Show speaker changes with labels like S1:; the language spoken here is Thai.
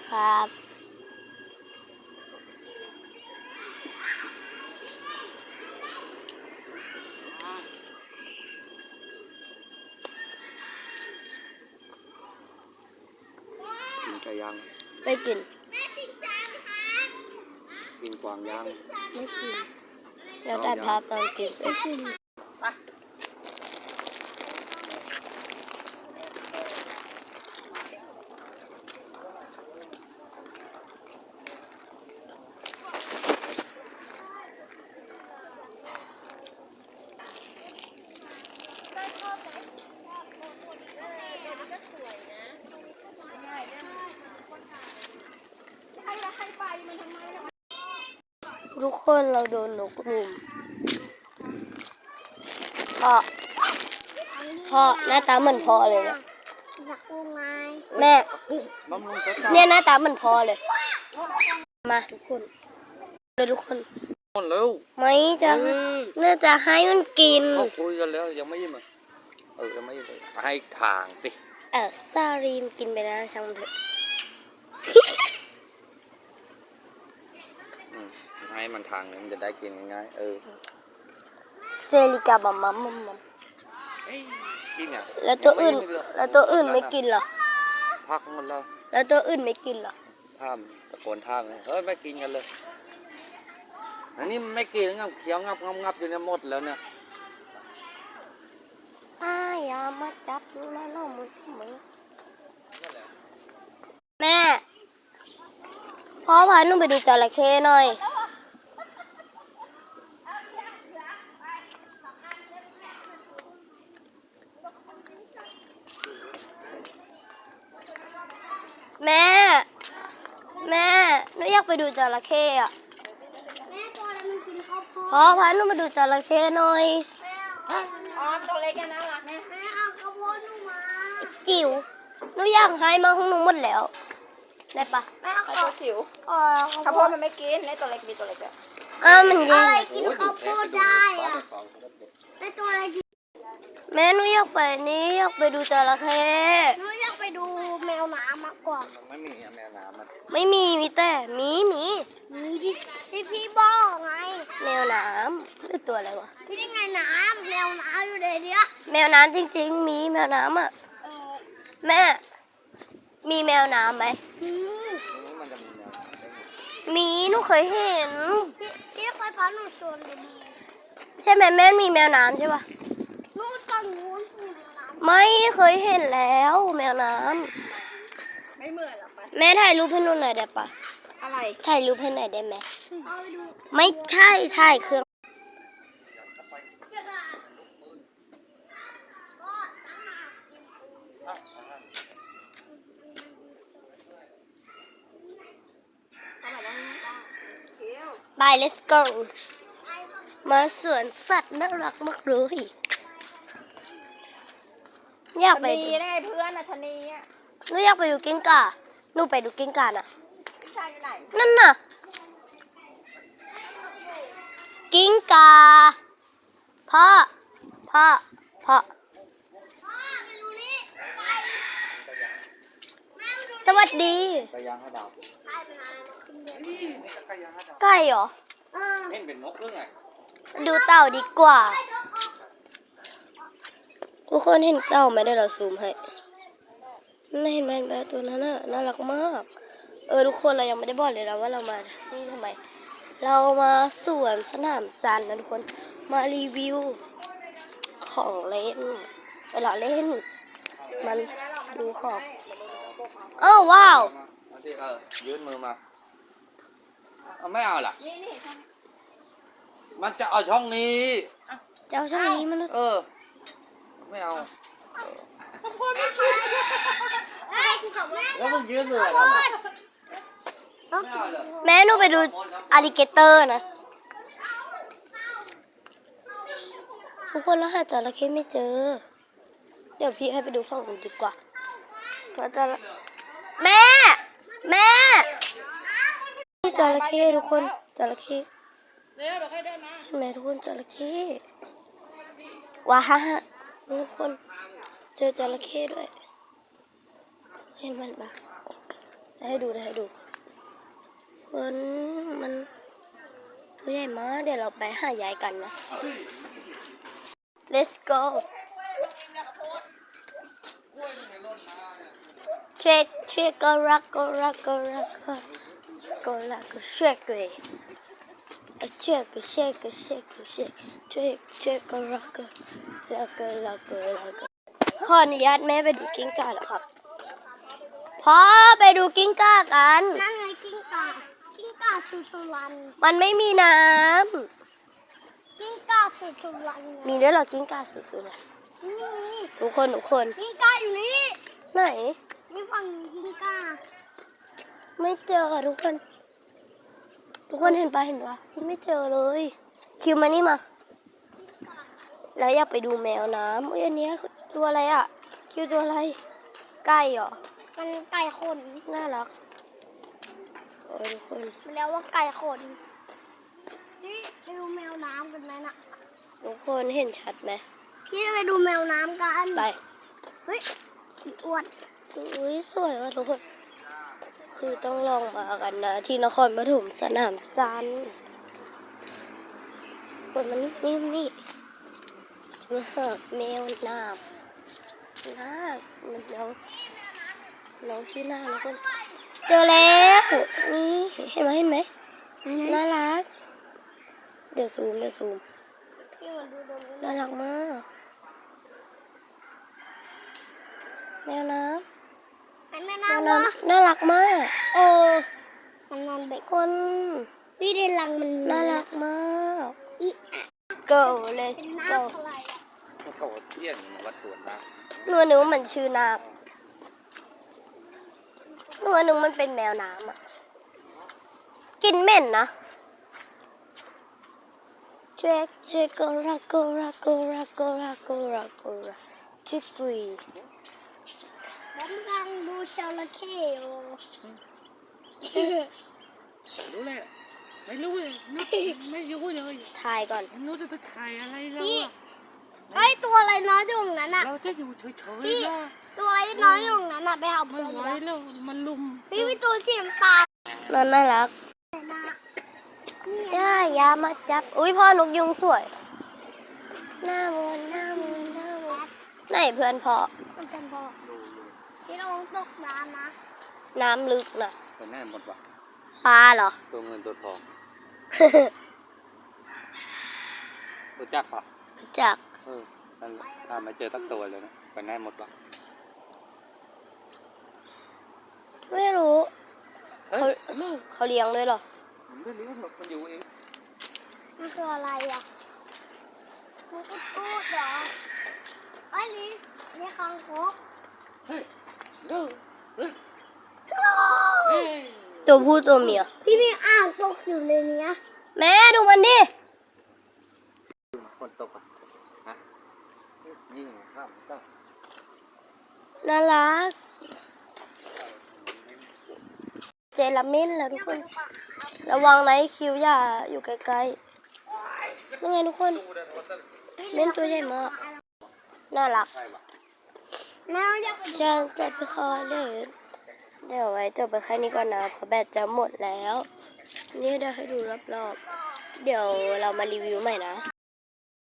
S1: ครับ
S2: กินไก่ย่าง
S1: ไม่กิน
S2: กินกวางย่าง
S1: ไม่กินแล้วตัดภาพตอนกินไม่กินทุกคนเราโดนนกรุมพ่อหน้าตาเหมือนพ่อเลยเนี่ยแม่เนี่ยหน้าตาเหมือนพ่อเลยมาทุกคนเลยทุกคน
S2: เร็ว
S1: ไม่จะน่าจะให้มันกิน
S2: เขาคุยกันแล้วยังไม่ยิ้มยังไม่ยิ้มให้ทางสิ
S1: ซารีมกินไปแล้วช่างเถอะ
S2: ให้มันทางเลยมันจะได้กินง่าย
S1: เซลิกาบัมมัมมัม
S2: กินเนี่ย
S1: แล้วตัวอื่นไม่กินหรอ
S2: พักหมด
S1: แล้วตัวอื่นไม่กินหรอ
S2: ท่ามตะโกนท่ามเลยไม่กินกันเลยอันนี้ไม่กินงับเคี้ยวงับอยู่เนี่ยหมดแล้วเนี่ย
S1: อย่ามาจับนะน้องมึงแม่พ่อพาหนูไปดูจระเข้หน่อยแม่หนูอยากไปดูจระเข้อะพ่อพาหนูมาดูจระเข้หน่อย
S3: ตัวเล็กน่ารักนะแม่เอากระโปรงหนูมา
S1: จิ๋วหนูอยากให้มาของหนูหมดแล้วได้ปะ
S3: แม่เอาตัวจิ๋วข้าวโพดมันไม่กินในตัวเล็กมีตัวเล็กแบบ
S1: มัน
S3: ยังอะไรกินข้าวโพดได้อะในตัวอะไรกิน
S1: แม่หนูอยากไปดูจระเข้
S3: หนูอยากไปดูแมวน้ำมากกว่า
S2: ไม่มีแมวน้ำมัน
S1: ไม่มีแต่มี
S3: ดิที่พี่บอกไง
S1: แมวน้ำคือตัวอะไรวะ
S3: พี่ได้ไงน้ำแมวน้ำอยู่ในเนี้ย
S1: แมวน้ำจริงๆมีแมวน้ำอ่ะแม่มีแมวน้ำไหม
S2: มันจะมีแมว
S1: มีหนูเคยเห็น
S3: พี่เคยพาหนูชวนดู
S1: ใช่ไหมแม่มีแมวน้ำใช่ปะ
S3: นู่นฝั่งนู้น
S1: ไม่เคยเห็นแล้วแมวน้
S3: ำไม่เหมือนหรอปะ
S1: แม่ถ่ายรูปให้หนูหน่อยได้ปะ
S3: อะไร
S1: ถ่ายรูปให้หน่อยได้ไหมไม่ใช่ถ่ายเครื่องไป let's go มาสวนสัตว์น่ารักมากเลยอยากไป
S3: ดูได้เพื่อนนะชนีอ่ะ
S1: หนูอยากไปดูกิ้งก่าหนูไปดูกิ้งก่าน่ะ
S3: พี่ชายอยู่ไหน
S1: นั่นน่ะกิ้งก่าพ่อสวัสดีไก่เหรอ
S2: เห็นเป็นนกหรือไง
S1: ดูเต่าดีกว่าทุกคนเห็นเต่าไหมได้เราซูมให้นั่นเห็นไหมแบบตัวนั้นน่ารักมากทุกคนเรายังไม่ได้บอกเลยนะว่าเรามานี่ทำไมเรามาสวนสนามจันทร์นะทุกคนมารีวิวของเล่นเวลาเล่นมันดูของว้าว
S2: ยืนมือมาไม่เอาล่ะมันจะเอาช่องนี้
S1: จะเอาช่องนี้มัน
S2: ไม่เอาแล้วมึงยืนมืออะไร
S1: แม่หนูไปดูอลิเกเตอร์นะทุกคนแล้วหาจระเข้ไม่เจอเดี๋ยวพี่ให้ไปดูฝั่งอื่นดีกว่าว่าจะแม่นี่จระเข้ทุกคนจระเข้
S3: เร็วเราค่อยเดินมา
S1: แม่ทุกคนจระเข้ว้าฮ่าทุกคนเจอจระเข้ด้วยเห็นมันปะไหนให้ดูคนมันตัวใหญ่มากเดี๋ยวเราไปหายายกันนะ let's go shake go rock go rock go rock go rock go shake shake go rock go rock ขออนุญาตแม่ไปดูกิ้งก่าแล้วครับพ่อไปดูกิ้งก่ากัน
S3: นั่นไงกิ้งก่าสุสุวรรณ
S1: มันไม่มีน้
S3: กิ้งก่าสุสุวรรณ
S1: ำมีด้วยเหรอกิ้งก่าสุดๆเลย
S3: นี่
S1: ทุกคน
S3: กิ้งก่าอยู่นี่
S1: ไหน
S3: นี่ฝั่งนี้กิ้งก่า
S1: ไม่เจอทุกคนเห็นปะไม่เจอเลยคิวมานี่มาแล้วอยากไปดูแมวน้ำอันนี้ตัวอะไรอ่ะคิวตัวอะไรไก่เหรอ
S3: มันไก่ขน
S1: น่ารักโอ้ยทุกคน
S3: มันเรียกว่าไก่ขนนี่ไปดูแมวน้ำกันไหมน่ะ
S1: ทุกคนเห็นชัดไหม
S3: พี่ไปดูแมวน้ำกัน
S1: ไป
S3: เฮ้ยสีอ้วน
S1: อุ้ยสวยว่ะทุกคนคือต้องลองมากันนะที่นครปฐมสนามจันทร์คนมันนี่มาหาแมวน้ำมันน้องชื่อน้าทุกคนเจอแล้วนี่เห็นไหมน่ารักเดี๋ยวซูม
S3: พี่มาดูตรงนี้
S1: น่ารักมากแมวน้
S3: เห็นไหม
S1: ำ
S3: น้ำ
S1: น่ารักมาก
S3: มันนอนเบ็ด
S1: คน
S3: พี่ในรังมัน
S1: น่ารักมาก
S3: อีอะ
S1: go let's
S3: เป็น
S1: go
S3: น้ำอะไรอะ
S2: เขาเที่ยงวัดสวนนะ
S1: หนูนึกว่ามันชื่อน้ำหนูนึกมันเป็นแมวน้ำอ่ะกินเหม็นนะเช็คgo rock go rock go rock go rock go rock go rock ชิกุย
S3: ผมกำลังดูจระเข้อยู่
S2: รู้เลยไม่รู้เลยไม่รู้เลย
S1: ถ่ายก่อน
S2: ไม่รู้จะไปถ่ายอะไรแล้ว
S3: พี่
S2: อะ
S3: เฮ้ยตัวอะไรน้อยอยู่ตรงนั้นอ่ะ
S2: เราจะอยู่เฉย
S3: พี่
S2: ๆนะ
S3: ตัวอะไรน้อยอยู่ตรงนั้นอ่ะไปหา
S2: ไม่
S3: เพื่อน
S2: ไหวแล้วมันลุม
S3: พี่มีตัวสีน้ำตาล
S1: น่ารัก
S3: นะ
S1: ยามาจับอุ้ยพ่อนกยุงสวยหน้ามนไหนเพื่อนพ่อ
S3: มันเป็นบ่อพี่ลองตกน้ำนะ
S1: น้ำลึกนะ
S2: แต่แน่หมดว่ะ
S1: ปลาเหรอ
S2: ตัวเงินตัวทองรู้จักปะ
S1: จาก
S2: นั่นถ้าไม่เจอสักตัวเลยนะไปแน่หมดว่ะ
S1: ไม่รู้
S2: เฮ้ยลูก
S1: เขาเลี้ยงด้วยเหรอ
S2: ไม่รู้หรอกมันอยู่เอง
S3: มันคืออะไรอ่ะมันก็พูดเหรอไอ้นี่คางคก
S2: เฮ้ยลูกเฮ้ย
S1: ตัวผู้ตัวเมีย
S3: พี่มีอ่างตกอยู่ในเนี้ย
S1: แม่ดูมันดิ
S2: ฝนตกอ่ะฮะยิ่งข้ามต้อง
S1: น่ารักเจลามินแล้วทุกคน ระวังนะคิวอย่าอยู่ใกล้ๆนี่ไงทุกคนเม่นตัวใหญ่มากน่ารัก
S3: แม่อยากไปดู
S1: ฉันจะไปขอเล่นเดี๋ยวไว้จบไปแค่นี้ก่อนนะเพราะแบตจะหมดแล้ว นี่เดี๋ยวให้ดูรอบๆเดี๋ยวเรามารีวิวใหม่นะ